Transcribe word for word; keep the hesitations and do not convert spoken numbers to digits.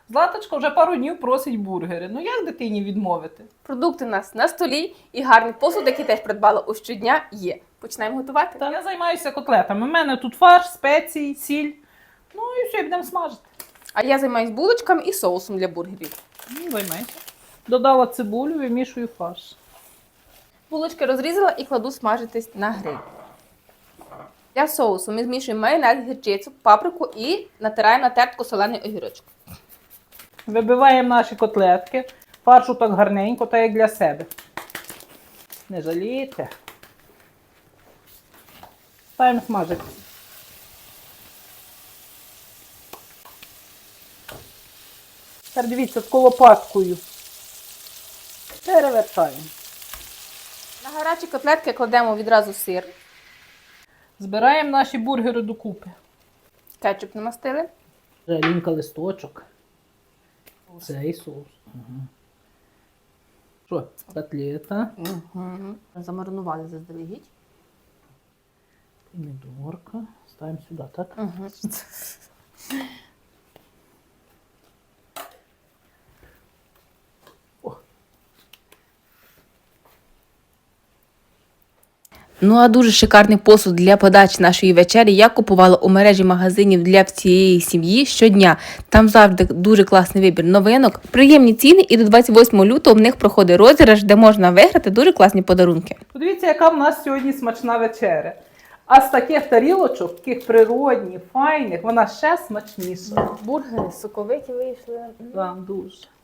Златочка вже пару днів просить бургери. Ну як дитині відмовити? Продукти у нас на столі і гарний посуд, який теж придбала у щодня, є. Починаємо готувати? Та я займаюся котлетами. У мене тут фарш, спеції, сіль. Ну і все, будемо смажити. А я займаюсь булочками і соусом для бургерів. Ну, займайся. Додала цибулю, вимішую фарш. Булочки розрізала і кладу смажитись на гриль. Для соусу ми змішуємо майонез, гірчицю, паприку і натираємо на тертку солений огірочок. Вибиваємо наші котлетки. Фаршу так гарненько, так як для себе. Не жалійте. Ставимо смажити. Тепер дивіться, з лопаткою. Перевертаємо. На гарячі котлетки кладемо відразу сир. Збираємо наші бургери докупи. Кетчуп намастили. Жалінка листочок. Цей соус. Угу. Що, котлета, Угу. Замаринували заздалегідь. помідорка. Ставимо сюди, так? Угу. О. Ну а дуже шикарний посуд для подачі нашої вечері я купувала у мережі магазинів для всієї сім'ї щодня. Там завжди дуже класний вибір новинок, приємні ціни, і до двадцять восьмого лютого в них проходить розіграш, де можна виграти дуже класні подарунки. Подивіться, яка в нас сьогодні смачна вечеря. А з таких тарілочок, таких природних, файних, вона ще смачніша. Бургери соковиті вийшли. Так, дуже.